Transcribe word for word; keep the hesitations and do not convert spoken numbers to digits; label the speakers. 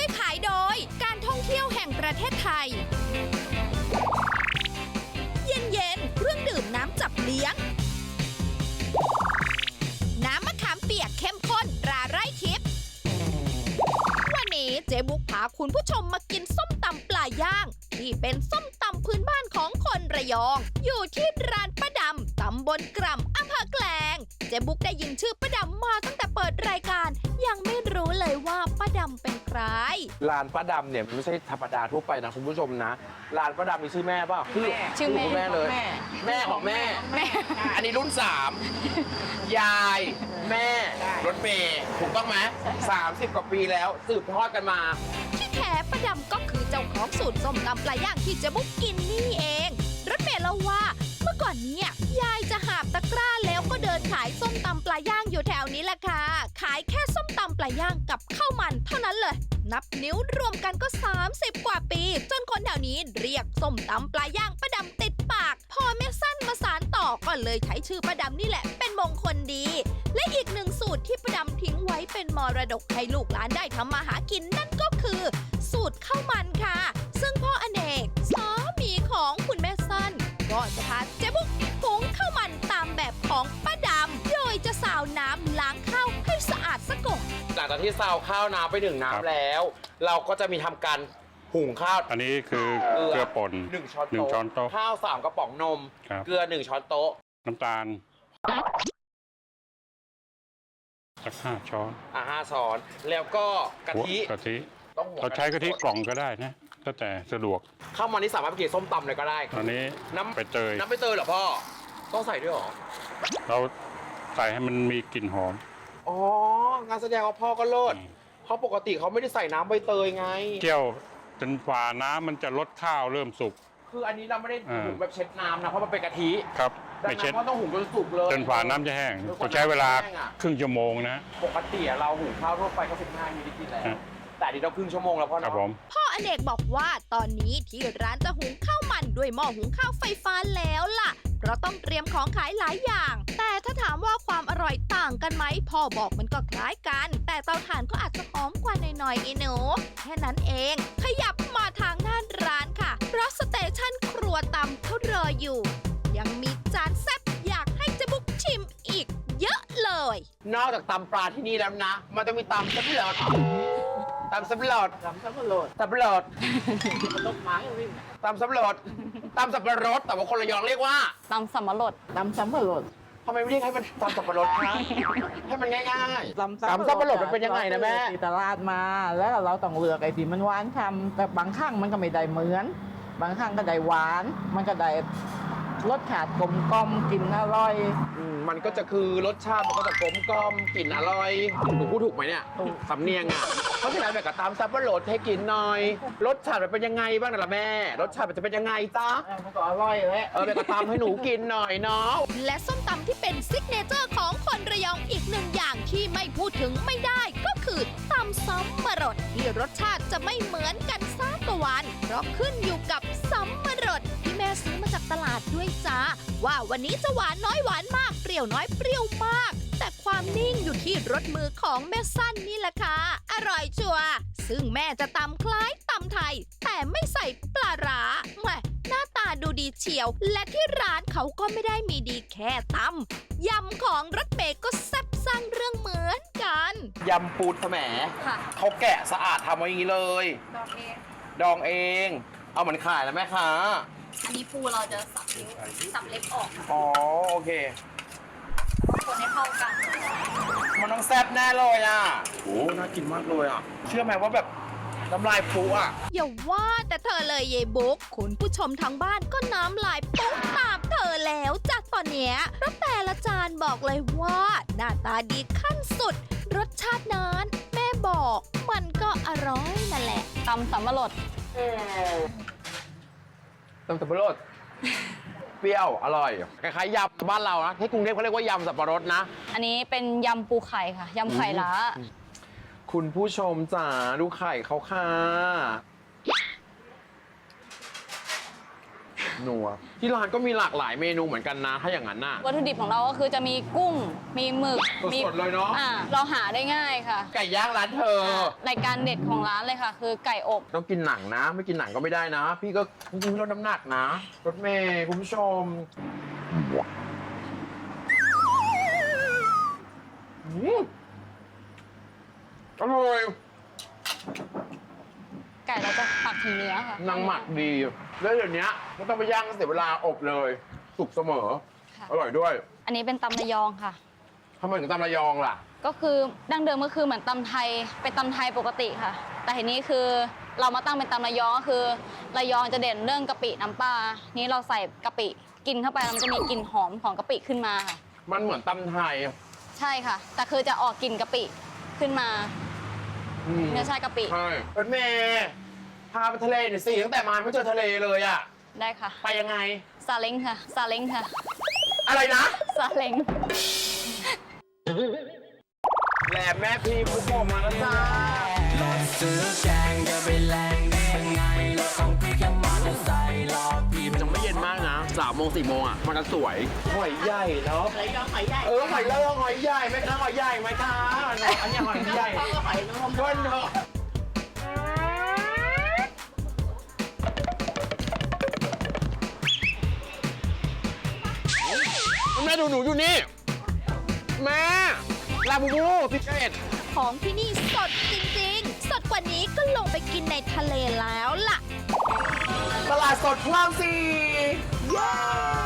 Speaker 1: วยขายโดยการท่องเที่ยวแห่งประเทศไทย เย็นๆเครื่องดื่มน้ำจับเลี้ยง น้ำมะขามเปียกเข้มข้นตราไร่ทิพย์วันนี้เจ๊บุ๊กพาคุณผู้ชมมากินส้มตำปลาย่างที่เป็นส้มตำพื้นบ้านของคนระยองอยู่ที่ร้านป้าดำตำบลกร่ำอำเภอแกลงเจ๊บุ๊กได้ยินชื่อป้าดำมาตั้งแต่เปิดรายการยังไม่รู้เลยว่าป้าดำเป็นใคร
Speaker 2: ร้านป้าดำเนี่ยไม่ใช่ธรรมดาทั่วไปนะคุณผู้ชมนะร้านป้าดำมีชื่อแม่ป่ะคือ
Speaker 3: ชื่อแม่
Speaker 2: แม่เลยแม่ของแม่
Speaker 3: แม่
Speaker 2: อันนี้รุ่นสามยายแม่รถเมย์ถูกต้องไหมสามสิบกว่าปีแล้วสืบทอดกันมา
Speaker 1: ที่แท้ป้าดำก็คือเจ้าของสูตรส้มตำปลาย่างที่เจ๊บุ๊กกินนี่เองรถเมย์เล่าว่าเมื่อก่อนเนี้ยยายจะหาบตะกร้าแล้วก็เดินขายส้มตำปลาย่างอยู่แถวนี้แหละค่ะขายแค่ส้มตำปลาย่างกับข้าวมันเท่านั้นเลยนับนิ้วรวมกันก็สามสิบกว่าปีจนคนแถวนี้เรียกส้มตำปลาย่างป้าดำติดปากพอแม่สั้นมาสานต่อก็เลยใช้ชื่อป้าดำนี่แหละเป็นมงคลดีและอีกหนึ่งสูตรที่ป้าดำทิ้งไว้เป็นมรดกให้ลูกหลานได้ทำมาหากินนั่นก็คือสูตรข้าวมันค่ะซึ่งพ่ออเนกสามีของคุณแม่สั้นก็จะพาเจ๊บุ๊กหุงข้าวมันตามแบบของป้าดำโดยจะสาวน้ำล้างข้าวให้สะอาดซะก่อน
Speaker 2: หลังจากที่ซาวข้าวน้ำไปหนึ่งน้ำแล้วเราก็จะมีทำการหุงข้าว
Speaker 4: อันนี้คือเกลือป่น
Speaker 2: หนึ่งช้อนโต๊ะข้าวสามกระป๋องนมเกลือหนึ่งช้อนโต๊ะ
Speaker 4: น้ำตาลสักห้าช้อน
Speaker 2: อ่ะห้าช้อนแล้วก็กะทิ
Speaker 4: กะทิเราใช้กะทิกล่องก็ได้นะก็แต่สะดวก
Speaker 2: ข้าวมันนี่สามารถไปกินส้มตำเลยก็ได้
Speaker 4: ตอนนี้
Speaker 2: น้ำ
Speaker 4: ใบเตย
Speaker 2: น้ำใบเตยเหรอพ่อต้องใส่ด้วยหรอ
Speaker 4: เราใส่ให้มันมีกลิ่นหอม
Speaker 2: อ๋องานแสดงว่าพ่อก็เลิศเพราะปกติเขาไม่ได้ใส่น้ำใบเตยไง
Speaker 4: เจี่ยวจนฝ่าน้ำมันจะลดข้าวเริ่มสุก
Speaker 2: คืออันนี้เราไม่ได้หุงแบบเช็ดน้ำนะเพราะมันเป็นกะทิ
Speaker 4: ครับไม่เช็ด
Speaker 2: เพราะต้องหุงจนสุกเลย
Speaker 4: จนฝ่าน้ำจะแห้งต้องใช้เวลาครึ่งชั่วโมงนะ
Speaker 2: ปกติเราหุงข้าวทั่วไปก็สิบห้านาทีกินแล้วแต่ดีเราครึ่งชั่วโมงแล้วพ่อเนาะ
Speaker 1: พ่ออเนกบอกว่าตอนนี้ที่ร้านจะหุงข้าวมันด้วยหม้อหุงข้าวไฟฟ้าแล้วล่ะเพราะต้องเตรียมของขายหลายอย่างแต่ถ้าถามว่าความอร่อยต่างกันไหมพ่อบอกมันก็คล้ายกันแต่เตาถ่านก็อาจจะหอมกว่าหน่อยๆไอ้หนูแค่นั้นเองขยับมาทางหน้าร้านค่ะเพราะสเตชันครัวตำเขารออยู่ยังมีจานแซ่บอยากให้เจ๊บุ๊กชิมอีกเยอะเลย
Speaker 2: นอกจากตำปลาที่นี่แล้วนะมันต้องมีตำซับหลอดตำซับหลอดตำซับหลอดซับหลอดตำไม้วิ่งตำซับหลอดตำสับปะรดแต่ว่าคนระยองเรียกว่า
Speaker 3: ตำสับปะรด
Speaker 5: ตำสับปะรด
Speaker 2: ทำไมไม่เรียกให้มันตำสับปะรดคะให้มันง่ายๆตำสับปะรดมันเป็นยังไงนะแม่
Speaker 5: ตลาดมาแล้วเราต้องเลือกไอ้ที่มันหวานคำแต่บางครั้งมันก็ไม่ได้เหมือนบางครั้งก็ได้หวานมันก็ได้รสชาติกลมกล่อมกลิ่นอร่อย
Speaker 2: มันก็จะคือรสชาติมันก็จะกลมกล่อมกลิ่นอร่อยหนูพูดถูกไหมเนี่ยสำเนียงอ่ะเพราะฉะนั้นแบบกับตามซับปะรดให้กินหน่อยรสชาติมันเป็นยังไงบ้างนะล่ะแม่รสชาติมันจะเป็นยังไงจ๊ะ
Speaker 5: มันก็อร่อยเลย
Speaker 2: เออแบบกับตามให้หนูกินหน่อยเนาะ
Speaker 1: และส้มตำที่เป็นซิกเนเจอร์ของคนระยองอีกหนึ่งอย่างที่ไม่พูดถึงไม่ได้ก็คือตำซับปะรดที่รสชาติจะไม่เหมือนกันสักวันเพราะขึ้นอยู่กับซับปะรดที่แม่ซื้อมาจากตลาดด้วยจ้าว่าวันนี้จะหวานน้อยหวานมากเปรี้ยวน้อยเปรี้ยวมากแต่ความนิ่งอยู่ที่รสมือของแม่สั้นนี่แหละค่ะอร่อยชัวร์ซึ่งแม่จะตำคล้ายตำไทยแต่ไม่ใส่ปลาร้าแหมหน้าตาดูดีเฉียวและที่ร้านเขาก็ไม่ได้มีดีแค่ตำยำของรถเมย์ก็แซ่บสร้างเรื่องเหมือนกัน
Speaker 2: ยำปูแสมเขาแกะสะอาดทำไว้อย่างนี้เลยดองเองดองเองเอาเหมือนขายแล้วแม่ค้า
Speaker 3: อันนี้ปูเราจะสับนิ้วสับเล็บออก
Speaker 2: อ๋อโอเค
Speaker 3: คนให้เข้ากัน
Speaker 2: มันต้องแซ่บแน่เลยอ่ะโอ้น่ากินมากเลยอ่ะเชื่อไหมว่าแบบน้ำลายฟูอ่ะ
Speaker 1: อย่าว่าแต่เธอเลยเยบุ๊กคุณผู้ชมทางบ้านก็น้ำลายปุ๊บตามเธอแล้วจากตอนเนี้ยแล้วแต่ละจานบอกเลยว่าหน้าตาดีขั้นสุดรสชาตินั้นแม่บอกมันก็อร่อยนั่นแหละ
Speaker 3: ตำสับปะรด
Speaker 2: ตำสับปะรดเปรี้ยวอร่อยคล้ายๆยำบ้านเรานะที่กรุงเทพเขาเรียกว่ายำสับปะรดนะ
Speaker 3: อันนี้เป็นยำปูไข่ค่ะยำไข่ล้า
Speaker 2: คุณผู้ชมจ๋าดูไข่เขาค่ะนัวที่ร้านก็มีหลากหลายเมนูเหมือนกันนะถ้าอย่างนั้นน่ะ
Speaker 6: วัตถุดิบของเราก็คือจะมีกุ้ง มีหมึกมี
Speaker 2: สดๆเลยเนาะ
Speaker 6: อ่าเราหาได้ง่ายค่ะ
Speaker 2: ไก่ย่างร้านเธอ
Speaker 6: รายการเด็ดของร้านเลยค่ะ คือไก่อบ
Speaker 2: ต้องกินหนังนะ ไม่กินหนังก็ไม่ได้นะ พี่ก็จริงๆลดน้ำหนักนะรถเมย์คุณผู้ชมอืมอร่อย
Speaker 6: ไก่เราจะหมักถึงเนื้อค่ะ
Speaker 2: นางหมักดี แล้วเดี๋ยวนี้ไม่ต้องไปย่างเสียเวลาอบเลย สุกเสมอ
Speaker 6: ค่ะ
Speaker 2: อร่อยด้วย
Speaker 6: อันนี้เป็นตำระยองค่ะ
Speaker 2: ทำไมถึงตำระยองล่ะ
Speaker 6: ก็คือดั้งเดิมก็คือเหมือนตำไทยเป็นตำไทยปกติค่ะ แต่ทีนี้คือเรามาตั้งเป็นตำระยองก็คือระยองจะเด่นเรื่องกะปิน้ำปลานี้เราใส่กะปิกินเข้าไปแล้วมันจะมีกลิ่นหอมของกะปิขึ้นมาค่ะ
Speaker 2: มันเหมือนตำไทย
Speaker 6: ใช่ค่ะ แต่คือจะออกกลิ่นกะปิขึ้นมา
Speaker 2: อืม
Speaker 6: เนื้อชาติกะปิ
Speaker 2: ใช่รถเมย์พาไปทะเลหน่อยสิตั้งแต่มาไม่เจอทะเลเลยอะ
Speaker 6: ได้ค่ะ
Speaker 2: ไปยังไง
Speaker 6: ซาเล้งค่ะ ซาเล้งค่ะ
Speaker 2: อะไรนะ
Speaker 6: ซาเล้ง
Speaker 2: แหลมแม่พี่ผู้ชมมาแล้วจ้า
Speaker 7: ซื้อแกงจะไปแรงได้ยังไงรถของพี่แค่มอเตอร์ไซค์รอพี่
Speaker 2: มันยังไม่เย็นมากนะสามโมงสี่โมงอ่ะ มันจะสวย หอยใหญ่เนาะหอยยอหอยใหญ่ เออ หอยเล่าหอยใหญ่ไหมคะหอยใหญ่ไหมคะอันนี้หอยใหญ่หอยนมก้นเนาะแม่ดูหนูอยู่นี่ แม่ ลาบูบูพิเศษ
Speaker 1: ของที่นี่สดจริงๆ สดกว่านี้ก็ลงไปกินในทะเลแล้วล่ะ
Speaker 2: ตลาดสดคลองสี่เย้